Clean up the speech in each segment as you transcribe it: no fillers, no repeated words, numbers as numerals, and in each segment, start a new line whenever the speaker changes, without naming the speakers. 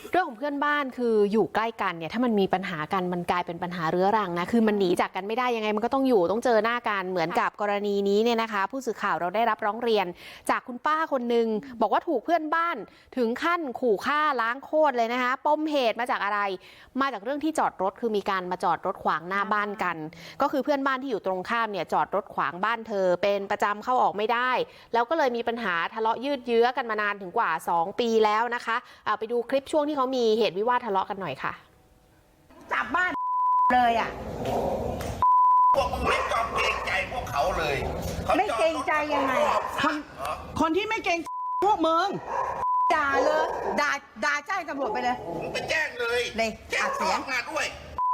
เรื่องของเพื่อนบ้านคืออยู่ใกล้กันเนี่ยถ้ามันมีปัญหากันมันกลายเป็นปัญหาเรื้อรังนะคือมันหนีจากกันไม่ได้ยังไงมันก็ต้องอยู่ต้องเจอหน้ากันเหมือนกับกรณีนี้เนี่ยนะคะผู้สื่อข่าวเราได้รับร้องเรียนจากคุณป้าคนหนึ่งบอกว่าถูกเพื่อนบ้านถึงขั้นขู่ฆ่าล้างโคตรเลยนะคะปมเหตุมาจากอะไรมาจากเรื่องที่จอดรถคือมีการมาจอดรถขวางหน้าบ้านกันก็คือเพื่อนบ้านที่อยู่ตรงข้ามเนี่ยจอดรถขวางบ้านเธอเป็นประจำเข้าออกไม่ได้แล้วก็เลยมีปัญหาทะเลาะยืดเยื้อกันมานานถึงกว่า2 ปีแล้วนะคะไปดูคลิปช่วงที่เขามีเหตุวิวาททะเลาะกันหน่อยค่ะ
จับบ้านเลยอ่ะ
พวกมึงไม่ยอมเกรงใจพวกเขาเลย
ไม่เกรงใจยังไง
คนที่ไม่เกรงพวกมึง
ด่าเลยด่าแจ้งตำรวจไปเลย
มึงไปแจ้งเลย
แจ้งเสียง
มาด้วย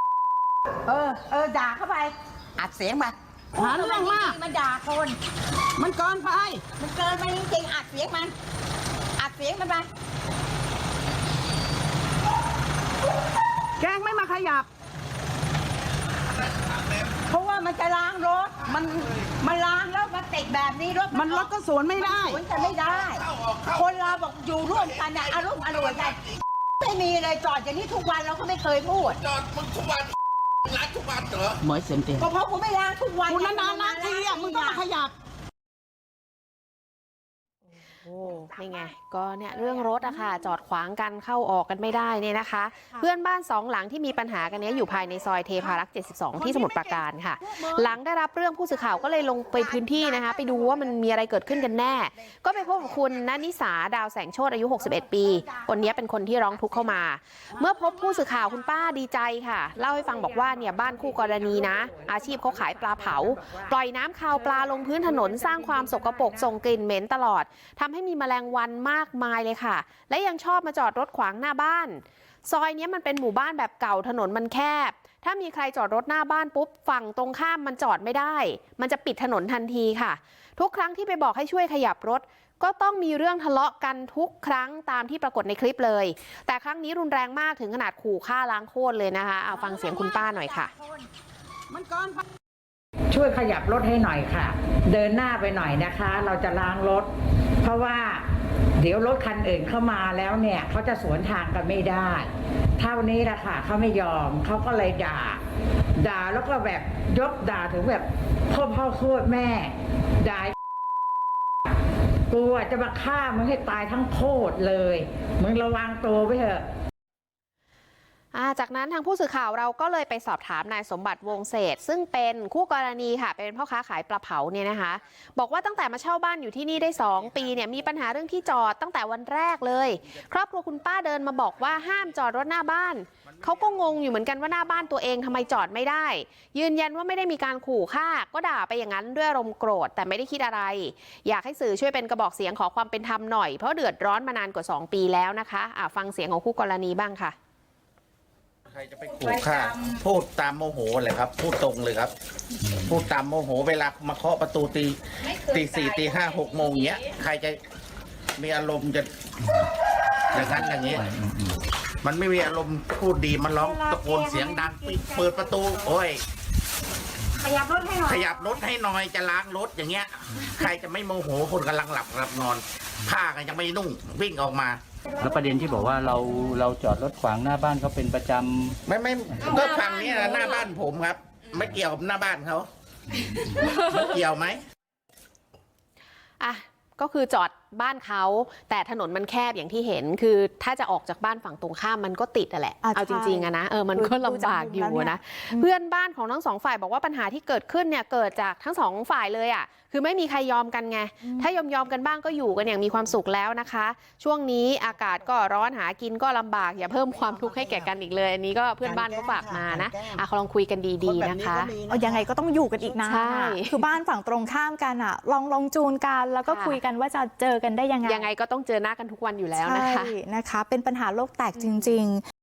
ด่าเข้าไปอัดเสียงมา
หาเรื่องมาก
มันด่าคน
มันเกินไป
จริงๆอัดเสียงมันไป
แกงไม่มาขยับ
เพราะว่ามันจะล้างรถมันล้างแล้วมันติดแบบนี้รถ
ก็สวนไม่ได้
สวนจะไม่ได้คนเราบอกอยู่ร่วมกันนะอารมณ์อร่วยกันไม่มีเลยจอดอย่างนี้ทุกวันเราก็ไม่เคยพูด
จอดมึงทุกวันล้างทุกวันเหรอ
เหมือนเสียงเต็ม
ก็เพราะกูไม่ล้างทุกวัน
กูนานๆทีอ่ะมึงต้องมาขยับ
โอ้นี่ไงก็เนี่ยเรื่องรถอะค่ะจอดขวางกันเข้าออกกันไม่ได้เนี่ยนะคะเพื่อนบ้าน2 หลังที่มีปัญหากันนี้อยู่ภายในซอยเทพารักษ์72ที่สมุทรปราการค่ะหลังได้รับเรื่องผู้สื่อข่าวก็เลยลงไปพื้นที่นะคะไปดูว่ามันมีอะไรเกิดขึ้นกันแน่ก็ไปพบกับคุณณนิสาดาวแสงโชติอายุ61 ปีคนนี้เป็นคนที่ร้องทุกข์เข้ามาเมื่อพบผู้สื่อข่าวคุณป้าดีใจค่ะเล่าให้ฟังบอกว่าเนี่ยบ้านคู่กรณีนะอาชีพเขาขายปลาเผาปล่อยน้ำคาวปลาลงพื้นถนนสร้างความสกปรกส่งกลิ่นเหม็นตลอดทำให้มีแมลงวันมากมายเลยค่ะและยังชอบมาจอดรถขวางหน้าบ้านซอยนี้มันเป็นหมู่บ้านแบบเก่าถนนมันแคบถ้ามีใครจอดรถหน้าบ้านปุ๊บฝั่งตรงข้ามมันจอดไม่ได้มันจะปิดถนนทันทีค่ะทุกครั้งที่ไปบอกให้ช่วยขยับรถก็ต้องมีเรื่องทะเลาะกันทุกครั้งตามที่ปรากฏในคลิปเลยแต่ครั้งนี้รุนแรงมากถึงขนาดขู่ฆ่าล้างโคตรเลยนะคะเอาฟังเสียงคุณป้าหน่อยค่ะ
ช่วยขยับรถให้หน่อยค่ะเดินหน้าไปหน่อยนะคะเราจะล้างรถเพราะว่าเดี๋ยวรถคันอื่นเข้ามาแล้วเนี่ยเขาจะสวนทางกันไม่ได้เท่านี้แหละค่ะเขาไม่ยอมเขาก็เลยด่าแล้วก็แบบยกด่าถึงแบบพ่อโคตรแม่ด่ากูจะมาฆ่ามึงให้ตายทั้งโคตรเลยมึงระวังตัวไว้เถอะ
จากนั้นทางผู้สื่อข่าวเราก็เลยไปสอบถามนายสมบัติวงเศษซึ่งเป็นคู่กรณีค่ะเป็นพ่อค้าขายปลาเผาเนี่ยนะคะบอกว่าตั้งแต่มาเช่าบ้านอยู่ที่นี่ได้2 ปีเนี่ยมีปัญหาเรื่องที่จอดตั้งแต่วันแรกเลยครอบครัวคุณป้าเดินมาบอกว่าห้ามจอดรถหน้าบ้านเขาก็งงอยู่เหมือนกันว่าหน้าบ้านตัวเองทำไมจอดไม่ได้ยืนยันว่าไม่ได้มีการขู่ฆ่าก็ด่าไปอย่างนั้นด้วยอารมณ์โกรธแต่ไม่ได้คิดอะไรอยากให้สื่อช่วยเป็นกระบอกเสียงขอความเป็นธรรมหน่อยเพราะเดือดร้อนมานานกว่า2 ปีแล้วนะคะฟังเสียงของคู่กรณีบ้างค่ะ
ใครจะไปขู่ฆ่าพูดตามโมโหเลยครับพูดตรงเลยครับพูดตามโมโหเวลามาเคาะประตูตี 4 ตี 5 6 โมงอย่างเงี้ยใครจะมีอารมณ์จะอย่างนั้นอย่างเงี้ยมันไม่มีอารมณ์พูดดีมันร้องตะโกนเสียงดังเปิดประตูโอ้ย
ขยับรถให้หน่
อยจะล้างรถอย่างเงี้ยใครจะไม่โมโหคนกำลังหลับนอนผ้ากันยังไม่นุ่งวิ่งออกมา
แล้วประเด็นที่บอกว่าเราจอดรถขวางหน้าบ้านเขาเป็นประจ
ำไม่ก็ฝั่งนี้นะหน้าบ้านผมครับไม่เกี่ยวกับหน้าบ้านเขาเกี่ยวไหม
ก็คือจอดบ้านเขาแต่ถนนมันแคบอย่างที่เห็นคือถ้าจะออกจากบ้านฝั่งตรงข้ามมันก็ติดแหละเอาจริงๆนะมันก็ลำบากอยู่นะเพื่อนบ้านของทั้ง2 ฝ่ายบอกว่าปัญหาที่เกิดขึ้นเนี่ยเกิดจากทั้ง2 ฝ่ายเลยคือไม่มีใครยอมกันไงถ้ายอมกันบ้างก็อยู่กันอย่างมีความสุขแล้วนะคะช่วงนี้อากาศก็ร้อนหากินก็ลำบากอย่าเพิ่มความทุกข์ให้แก่กันอีกเลยอันนี้ก็เพื่อนบ้านเขาฝากมานะลองคุยกันดีๆนะคะ
ยังไงก็ต้องอยู่กันอีกนานคือบ้านฝั่งตรงข้ามกันลองจูนกันแล้วก็คุยกันว่าจะเจอกันได้ยังไง
ก็ต้องเจอหน้ากันทุกวันอยู่แล้วนะคะ
เป็นปัญหาโลกแตกจริงๆ